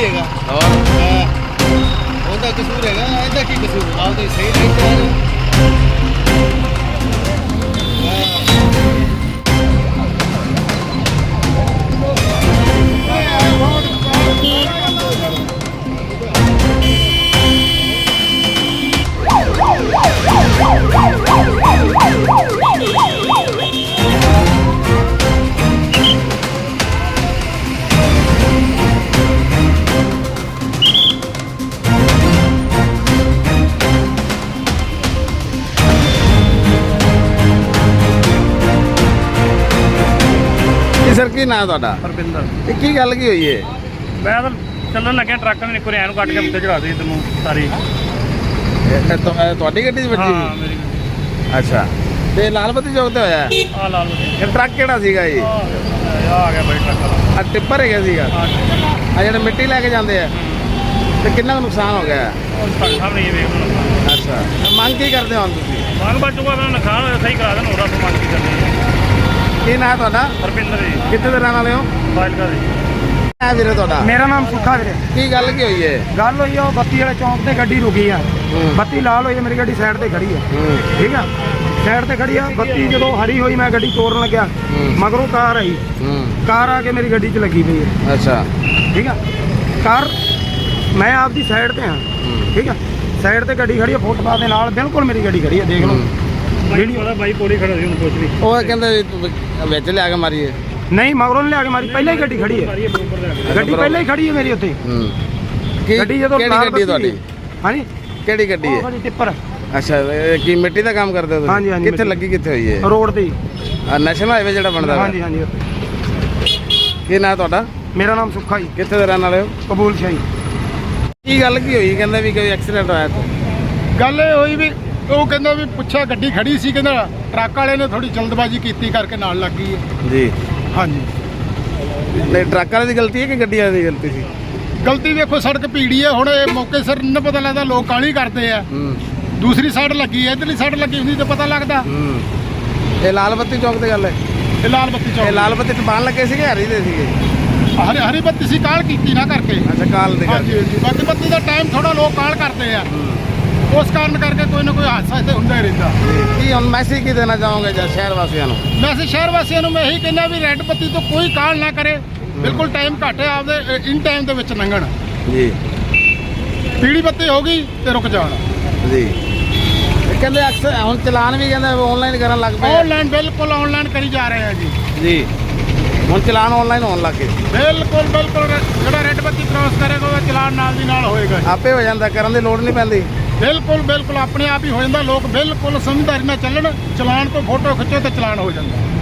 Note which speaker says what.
Speaker 1: ਹੈਗਾ
Speaker 2: ਹੋਰ
Speaker 1: ਉਹਦਾ ਕਸੂਰ ਹੈਗਾ, ਇਹਦਾ ਕੀ ਕਸੂਰ? ਆਪ ਤਾਂ ਸਹੀ ਨਹੀਂ ਚੱਲ
Speaker 2: ਸਰ ਕੀ ਨਾਂ ਤੁਹਾਡਾ?
Speaker 3: ਹਰਵਿੰਦਰ।
Speaker 2: ਇਹ ਕੀ ਗੱਲ ਕੀ ਹੋਈ ਏ?
Speaker 3: ਮੈਂ ਤਾਂ ਚੱਲਣ ਲੱਗਿਆ ਟਰੱਕ ਨੇ ਇੱਕੋ ਰੈਨ ਕੱਟ ਕੇ ਉੱਤੇ ਚੜਾ ਦਿੱਤੀ ਤੈਨੂੰ ਸਾਰੀ।
Speaker 2: ਇਹ ਤੁਹਾਡੀ ਗੱਡੀ 'ਚ ਵੱਜੀ
Speaker 3: ਹਾਂ
Speaker 2: ਸੀ?
Speaker 3: ਮੇਰੀ
Speaker 2: ਅੱਛਾ, ਤੇ ਲਾਲ ਬੱਤੀ ਚੌਕ ਤੇ ਹੋਇਆ?
Speaker 3: ਆ ਲਾਲ
Speaker 2: ਇਹ ਟਰੱਕ ਕਿਹੜਾ ਸੀਗਾ ਜੀ?
Speaker 3: ਆ ਗਿਆ ਬਈ ਟਰੱਕ ਵਾਲਾ।
Speaker 2: ਆ ਟਿੱਪਰ ਹੈਗਾ ਸੀਗਾ?
Speaker 3: ਹਾਂ
Speaker 2: ਆ ਜਿਹੜੇ ਮਿੱਟੀ ਲੈ ਕੇ ਜਾਂਦੇ ਆ, ਤੇ ਕਿੰਨਾ ਕੁ ਨੁਕਸਾਨ ਹੋ ਗਿਆ?
Speaker 3: ਉਹ ਸਾਡੇ ਸਾਹਮਣੇ ਹੀ ਵੇਖ ਲਓ।
Speaker 2: ਅੱਛਾ, ਤੇ ਮੰਗ ਕੀ ਕਰਦੇ ਹੋ ਹੁਣ ਤੁਸੀਂ?
Speaker 3: ਮੰਗ ਬਚੂਗਾ ਮੈਂ ਨੁਕਸਾਨ ਹੋਇਆ ਸਹੀ ਕਰਾ ਦੇਣ, ਹੋਰ ਆਪਾਂ ਮੰਗ ਕੀ ਕਰਨੀ ਹੈ।
Speaker 2: ਕੀ ਨਾਂ ਤੁਹਾਡਾ?
Speaker 3: ਹਰਵਿੰਦਰ ਜੀ,
Speaker 2: ਕਿੱਥੇ ਦੇ ਰਹਿਣ ਵਾਲੇ ਹੋ?
Speaker 3: ਫਾਜ਼ਿਲਕਾ ਜੀ।
Speaker 2: ਹੈ ਵੀਰੇ ਤੁਹਾਡਾ?
Speaker 4: ਮੇਰਾ ਨਾਮ ਸੁੱਖਾ ਵੀਰੇ।
Speaker 2: ਕੀ ਗੱਲ ਕੀ ਹੋਈ ਏ?
Speaker 4: ਗੱਲ ਹੋਈ ਆ, ਉਹ ਬੱਤੀ ਵਾਲੇ ਚੌਂਕ ਤੇ ਗੱਡੀ ਰੁਕੀ ਆ। ਬੱਤੀ ਲਾਲ ਹੋਈ ਆ, ਮੇਰੀ ਗੱਡੀ ਸਾਈਡ ਤੇ ਖੜੀ ਆ। ਠੀਕ ਆ, ਸਾਈਡ ਤੇ ਖੜੀ ਆ। ਬੱਤੀ ਜਦੋਂ ਹਰੀ ਹੋਈ ਮੈਂ ਗੱਡੀ ਤੋੜਨ ਲੱਗਿਆ, ਮਗਰੋਂ ਕਾਰ ਆਈ। ਕਾਰ ਆ ਕੇ ਮੇਰੀ ਗੱਡੀ 'ਚ ਲੱਗੀ ਪਈ ਹੈ।
Speaker 2: ਅੱਛਾ,
Speaker 4: ਠੀਕ ਆ, ਕਾਰ ਮੈਂ ਆਪਦੀ ਸਾਈਡ ਤੇ ਹਾਂ। ਠੀਕ ਆ, ਸਾਈਡ ਤੇ ਗੱਡੀ ਖੜੀ ਆ, ਫੁੱਟਪਾਥ ਦੇ ਨਾਲ ਬਿਲਕੁਲ ਮੇਰੀ ਗੱਡੀ ਖੜੀ ਆ। ਦੇਖ ਲਓ
Speaker 3: ਜਿਹੜੀ ਉਹਦਾ ਬਾਈ ਕੋਲੇ ਖੜਾ ਸੀ, ਉਹਨੂੰ ਕੁਛ ਨਹੀਂ।
Speaker 2: ਉਹ ਕਹਿੰਦੇ ਵੀ ਤੂੰ ਵਿੱਚ ਲਿਆ ਕੇ ਮਾਰੀਏ।
Speaker 4: ਨਹੀਂ, ਮਗਰੋਂ ਨੀ ਲਿਆ ਕੇ ਮਾਰੀ, ਪਹਿਲਾਂ ਹੀ ਗੱਡੀ ਖੜੀ ਹੈ। ਗੱਡੀ ਪਹਿਲਾਂ ਹੀ ਖੜੀ ਹੈ ਮੇਰੀ ਉੱਥੇ। ਗੱਡੀ ਜਦੋਂ
Speaker 2: ਕਿਹੜੀ ਗੱਡੀ ਤੁਹਾਡੀ?
Speaker 4: ਹਾਂਜੀ,
Speaker 2: ਕਿਹੜੀ ਗੱਡੀ ਹੈ?
Speaker 4: ਉਹ ਟਿੱਪਰ।
Speaker 2: ਅੱਛਾ, ਇਹ ਕੀ ਮਿੱਟੀ ਦਾ ਕੰਮ ਕਰਦੇ ਹੋ ਤੁਸੀਂ?
Speaker 4: ਹਾਂਜੀ, ਹਾਂਜੀ,
Speaker 2: ਕਿੱਥੇ ਲੱਗੀ, ਕਿੱਥੇ ਹੋਈ ਹੈ?
Speaker 4: ਰੋਡ ਤੇ।
Speaker 2: ਨੈਸ਼ਨਲ ਹਾਈਵੇ ਜਿਹੜਾ ਬਣਦਾ ਵਾ?
Speaker 4: ਹਾਂਜੀ ਹਾਂਜੀ।
Speaker 2: ਕੀ ਨਾਂ ਤੁਹਾਡਾ?
Speaker 4: ਮੇਰਾ ਨਾਮ ਸੁੱਖਾ ਜੀ।
Speaker 2: ਕਿੱਥੇ ਦੇ ਰਹਿਣ ਵਾਲੇ ਹੋ?
Speaker 4: ਕਬੂਲ ਸ਼ਾਹੀ।
Speaker 2: ਕੀ ਗੱਲ ਕੀ ਹੋਈ? ਕਹਿੰਦੇ ਵੀ ਕੋਈ ਐਕਸੀਡੈਂਟ ਹੋਇਆ ਇੱਥੇ।
Speaker 5: ਗੱਲ ਇਹ ਹੋਈ ਵੀ ਉਹ ਕਹਿੰਦਾ ਵੀ ਪੁੱਛਿਆ, ਗੱਡੀ ਖੜੀ ਸੀ, ਕਹਿੰਦਾ ਟਰੱਕ ਵਾਲੇ ਨੇ ਥੋੜੀ ਜਲਦਬਾਜ਼ੀ ਕੀਤੀ ਕਰਕੇ ਨਾਲ ਲੱਗ ਗਈ ਹੈ।
Speaker 2: ਜੀ,
Speaker 5: ਹਾਂਜੀ,
Speaker 2: ਨਹੀਂ ਟਰੱਕ ਵਾਲੇ ਦੀ ਗਲਤੀ ਹੈ ਕਿ ਗੱਡੀ ਵਾਲੇ ਦੀ ਗਲਤੀ ਸੀ?
Speaker 5: ਗਲਤੀ ਵੇਖੋ, ਸੜਕ ਭੀੜੀ ਹੈ। ਹੁਣ ਇਹ ਮੌਕੇ ਸਿਰ ਨਹੀਂ ਪਤਾ ਲੱਗਦਾ, ਲੋਕ ਕਾਹਲੀ ਕਰਦੇ ਆ। ਦੂਸਰੀ ਸਾਈਡ ਲੱਗੀ ਹੈ, ਇੱਧਰਲੀ ਸਾਈਡ ਲੱਗੀ ਹੁੰਦੀ ਤਾਂ ਪਤਾ ਲੱਗਦਾ।
Speaker 2: ਇਹ ਲਾਲ ਬੱਤੀ ਚੌਕ ਤੇ ਗੱਲ ਹੈ?
Speaker 5: ਇਹ ਲਾਲ ਬੱਤੀ
Speaker 2: ਇਹ
Speaker 5: ਚੌਕ,
Speaker 2: ਲਾਲ ਬੱਤੀ ਟਪਾਣ ਲੱਗੇ ਸੀਗੇ, ਹਰੀ ਦੇ ਸੀਗੇ?
Speaker 5: ਹਰੀ ਬੱਤੀ ਸੀ, ਕਾਲ ਕੀਤੀ ਨਾ ਕਰਕੇ।
Speaker 2: ਅੱਛਾ, ਕਾਲ ਦੇ
Speaker 5: ਹਾਂਜੀ
Speaker 2: ਕਰਕੇ।
Speaker 5: ਹਾਂਜੀ, ਬਾਕੀ ਬੱਤੀ ਦਾ ਟਾਈਮ ਥੋੜਾ ਲੋਕ ਕਾਲ ਕਰਦੇ ਆ, ਉਸ ਕਾਰਨ ਕਰਕੇ ਕੋਈ ਨਾ ਕੋਈ ਹਾਦਸਾ ਇੱਥੇ ਹੁੰਦਾ ਹੀ ਰਹਿੰਦਾ।
Speaker 2: ਕੀ ਹੁਣ ਮੈਸੇਜ ਕੀ ਦੇਣਾ ਚਾਹੋਗੇ ਜਾਂ ਸ਼ਹਿਰ ਵਾਸੀਆਂ ਨੂੰ?
Speaker 5: ਵੈਸੇ ਸ਼ਹਿਰ ਵਾਸੀਆਂ ਨੂੰ ਮੈਂ ਇਹੀ ਕਹਿੰਦਾ ਵੀ ਰੈੱਡ ਬੱਤੀ ਤੋਂ ਕੋਈ ਕਾਲ ਨਾ ਕਰੇ, ਬਿਲਕੁਲ ਟਾਈਮ ਘੱਟ ਹੈ, ਆਪਦੇ ਇਨ ਟਾਈਮ ਦੇ ਵਿੱਚ ਲੰਘਣ।
Speaker 2: ਜੀ,
Speaker 5: ਪੀਲੀ ਬੱਤੀ ਹੋ ਗਈ ਤੇ ਰੁਕ ਜਾਣ।
Speaker 2: ਜੀ। ਇਹ ਕਹਿੰਦੇ ਅਕਸਰ ਹੁਣ ਚਲਾਨ ਵੀ ਕਹਿੰਦੇ ਆਨਲਾਈਨ ਕਰਨ ਲੱਗ ਪਏ।
Speaker 5: ਆਨਲਾਈਨ, ਬਿਲਕੁਲ ਆਨਲਾਈਨ ਕਰੀ ਜਾ ਰਹੇ ਆ ਜੀ।
Speaker 2: ਜੀ, ਹੁਣ ਚਲਾਨ ਆਨਲਾਈਨ ਹੋਣ ਲੱਗ ਗਏ।
Speaker 5: ਬਿਲਕੁਲ ਬਿਲਕੁਲ, ਜਿਹੜਾ ਰੈੱਡ ਬੱਤੀ ਕ੍ਰਾਸ ਕਰੇਗਾ ਉਹਦਾ ਚਲਾਨ ਨਾਲ ਦੀ ਨਾਲ ਹੋਏਗਾ।
Speaker 2: ਆਪੇ ਹੋ ਜਾਂਦਾ, ਕਰਨ ਦੀ ਲੋੜ ਨਹੀਂ ਪੈਂਦੀ।
Speaker 5: ਬਿਲਕੁਲ ਬਿਲਕੁਲ, ਆਪਣੇ ਆਪ ਹੀ ਹੋ ਜਾਂਦਾ। ਲੋਕ ਬਿਲਕੁਲ ਸਮਝਦਾਰੀ ਨਾਲ ਚੱਲਣ, ਚਲਾਨ ਤੋਂ ਫੋਟੋ ਖਿੱਚੋ ਤੇ ਚਲਾਨ ਹੋ ਜਾਂਦਾ।